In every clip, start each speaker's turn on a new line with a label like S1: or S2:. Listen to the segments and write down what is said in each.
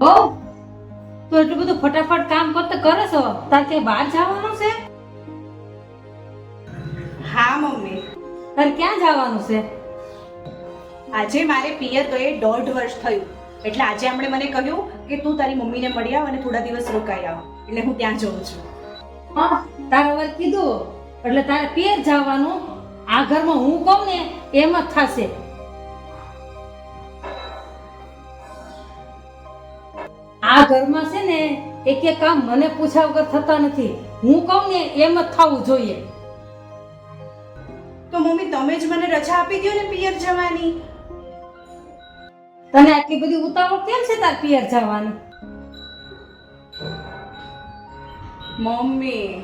S1: ઓ તો એટલું બધું ફટાફટ કામ કરતો કરે છો, તાર કે બહાર જવાનું છે?
S2: હા મમ્મી,
S1: તાર ક્યાં જવાનું છે?
S2: આજે મારે પિયર ગયે 1.5 વર્ષ થયું, એટલે આજે એમણે મને કહ્યું કે તું તારી મમ્મીને મળી આવ અને થોડા દિવસ રોકાઈ આવ, એટલે હું ત્યાં જઉં છું.
S1: હા, તારે હવે કીધું એટલે તારે પિયર જવાનું. આ ઘરમાં હું કહું ને એમ જ થશે. આ ઘરમાં છે ને એક કામ મને પૂછ્યા વગર થતા નથી. હું કહું ને એમ જ થવું જોઈએ.
S2: તો મમ્મી તમે જ મને રજા આપી દો ને પિયર જવાની.
S1: તને આટલી બધી ઉતાવળ કેમ છે તાર પિયર જવાની?
S2: મમ્મી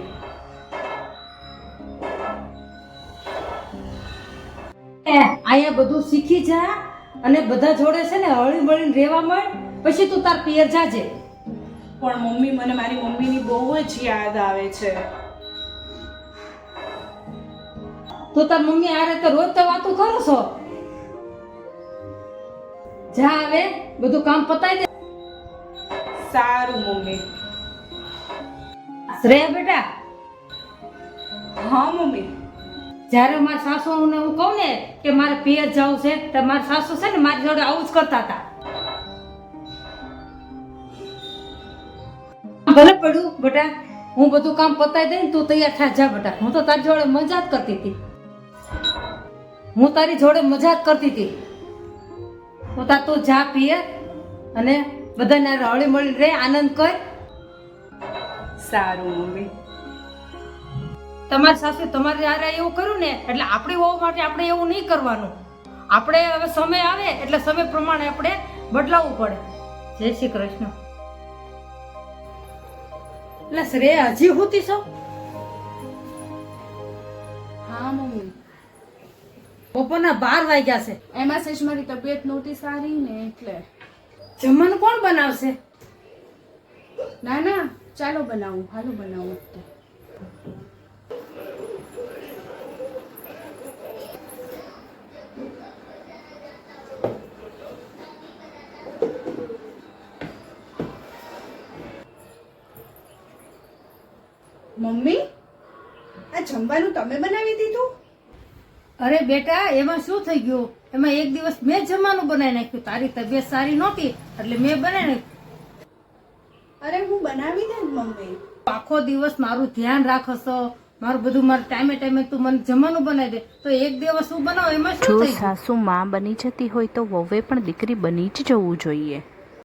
S1: અહીંયા બધું શીખી જા અને બધા જોડે છે ને હળી મળીને રહેવા માંડ, પછી તું તાર પિયર જાજે.
S2: પણ મમ્મી મને મારી મમ્મીની બહુ જ યાદ આવે છે.
S1: તો તાર મમ્મી આ રીતે રોજ તો વાતું કરો છો. જા હવે બધું કામ પતાઈ દે.
S2: સારું મમ્મી.
S1: શ્રેયા બેટા,
S2: હા મમ્મી.
S1: જ્યારે મારા સાસુને હું કહું ને કે મારે પિયર જવું છે તો મારા સાસુ છે ને મારી જોડે આવું જ કરતા હતા. ભલે પડ્યું બેટા, હું બધું કામ પતાઈ દઈ, તું તૈયાર થા જા બેટા. હું તો તારી જોડે મજા જ કરતી હતી. હું તારી જોડે મજા જ કરતી હતી. તો તાર તું જા પિયર અને બધાને હળી મળી રહે, આનંદ કર.
S2: સારું મમ્મી.
S1: તમારી સાસુ તમારે યારે એવું કર્યું ને એટલે આપણી વહુ માટે આપણે એવું નહીં કરવાનું. આપણે હવે સમય આવે એટલે સમય પ્રમાણે આપણે બદલાવવું પડે. જય શ્રી કૃષ્ણ. એટલે શ્રેયા હજી હોતી છો?
S3: હા મમ્મી,
S1: બપોરના 12 વાગ્યા છે.
S3: એમાં સેજ મારી તબિયત નહોતી સારી ને એટલે.
S1: જમવાનું કોણ બનાવશે?
S3: ના ના, ચાલો બનાવું, હાલો બનાવું. મમ્મી, આ જમવાનું તમે બનાવી દીધું?
S1: અરે બેટા, એમાં શું થઈ ગયું? એમાં એક દિવસ મેં જમવાનું બનાવી નાખ્યું. તારી તબિયત સારી નહોતી એટલે મેં બનાવી નાખ્યું.
S3: અરે હું બનાવી દે ને મમ્મી.
S1: આખો દિવસ મારું ધ્યાન રાખો છો, મારું બધું મારું ટાઈમે ટાઈમે તું મને જમવાનું બનાવી દે, તો એક દિવસ હું બનાવું એમાં શું
S4: જો
S1: થઈ ગયું?
S4: સાસુ માં બની જતી હોય તો વહુએ પણ દીકરી બની જ જવું જોઈએ.